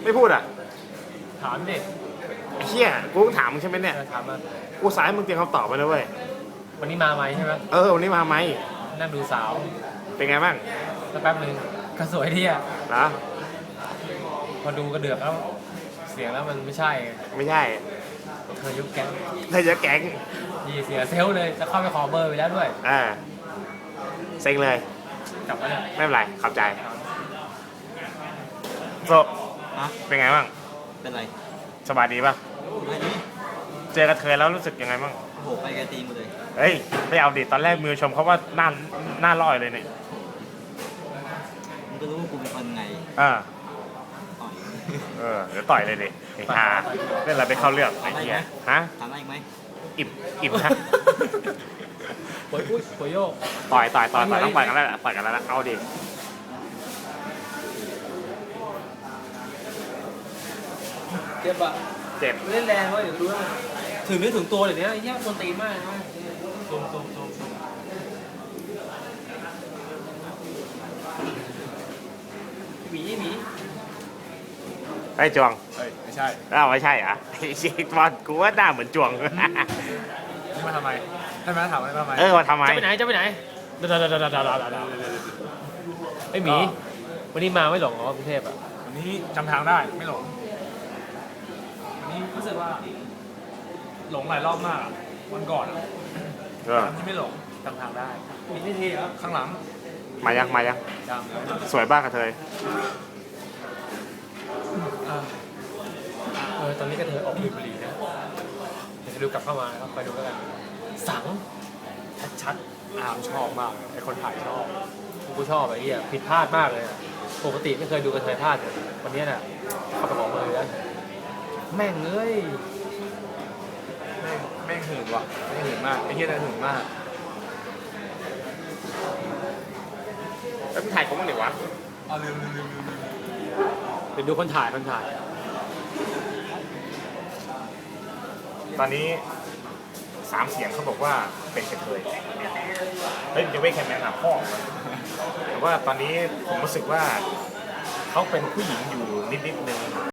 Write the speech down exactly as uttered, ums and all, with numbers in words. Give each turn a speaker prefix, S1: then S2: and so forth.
S1: ไม่พูดอ่ะ
S2: ถามดิ
S1: เชี่ยกูต้องถามมึงใช่ไหมเนี่ย
S2: ถามมา
S1: กูสายมึงเตรียมคำตอบไปแล้วเว้ย
S2: วันนี้มาไหมใช่ไหม
S1: เออวันนี้มาไหม
S2: นั่งดูสาว
S1: เป็นไงบ้าง
S2: แล้วแป๊บนึงก็สวยดีอ่ะ
S1: เหรอ
S2: พอดูกระเดือกแล้วเสียงแล้วมันไม่ใช่
S1: ไม่ใช่
S2: เธอยุบแก๊ง
S1: เธอจะแก๊ง
S2: ดีเสียเซลเลยจะเข้าไปขอเบอร์ไปแล้วด้วย
S1: อ่าเซ็งเลย
S2: กลับมาเนี่ย
S1: ไม่เป็นไรขอบใจโซเป็นไงบ้าง
S3: เป็นไร
S1: สบายดีป่ะ
S3: ไม่ดี
S1: เจอกระเทยแล้วรู้สึกยังไงบ้าง
S3: โอ้โหไปไกลตีนหมดเลย
S1: เฮ้ยไม่เอาดิตอนแรกมือชมเขาว่าหน้าหน้าลอยเลยเนี่ย
S3: มึงก็รู้ว่ากูเป็นคนไง
S1: อ่า
S3: ต่อย
S1: เออเดี๋ยวต่อยเลยดิไอ้ห่าเล่นอะไรไปเข้าเรื่องไอ้เหี้ยฮะ
S3: ถามอะไรอีกไหม
S1: อิ่มอิ่มนะ
S2: ปวยอุ้ยปวยโยก
S1: ต่อยต่อยต่อยต่อยต้องต่อยกันแล้วต่อยกันแล้วเอาดิ
S2: เจ็บอ่ะ
S1: เจ็บ
S2: เล่นแรงเว้ยเดี๋ยวดูนะถึงนึกถึงตัวเดี๋ยวนี้ไอ้เหี้ยคนตีมากนะซูมซูมซูมหมีหมี
S1: ไอ้จวง
S2: เฮ้ยไม่ใช่
S1: อ้าวไม่ใช่อ่ะไอ้ชิคบอลกูว่าหน้าเหมือนจวง
S2: นี่มาทำไมให้มาถามอะไรมาทำไม
S1: เออมาทำไม
S2: จะไปไหนจะไปไหนไอ้หมีวันนี้มาไม่หลงเหรอกรุงเทพอ่ะ
S4: วันนี้จำทางได้ไม่หลงวันนี้รู้สึกว่าหลงหลายรอบมากวันก่อนวันที่ไม่หลงจำทางได้
S2: มีที่ทีเหรอ
S4: ข้างหลัง
S1: มายังมายังสวยบ้างกระเทย
S2: เออตอนนี้กระเทยออกบุหรี่นะเดี๋ยวจะดูกลับเข้ามาครับไปดูแล้วกันสังชัดๆอามชอบมากไอคนถ่ายชอบกูชอบไอ้เหี้ยผิดพลาดมากเลยปกติไม่เคยดูกระเทยพลาดเลยวันนี้น่ะเข้าไปบอกเลยแล้วแม่งเอ้ย
S4: แม่งแม่งหื่นว่ะแม่งหื่นมากไอ้เหี้ยน่าหื่นมาก
S1: แล้วมึงถ่ายเขาบ้างหรือวะ
S4: อ๋อลืมลืมลืมลืม
S2: เดี๋ยวดูคนถ่ายคนถ่าย
S1: ตอนนี้สามเสียงเขาบอกว่าเป็นกระเทยเฮ้ยจะไม่แค่แมนหาพ่อแต่ว่าตอนนี้ผมรู้สึกว่าเขาเป็นผู้หญิงอยู่นิดๆนึง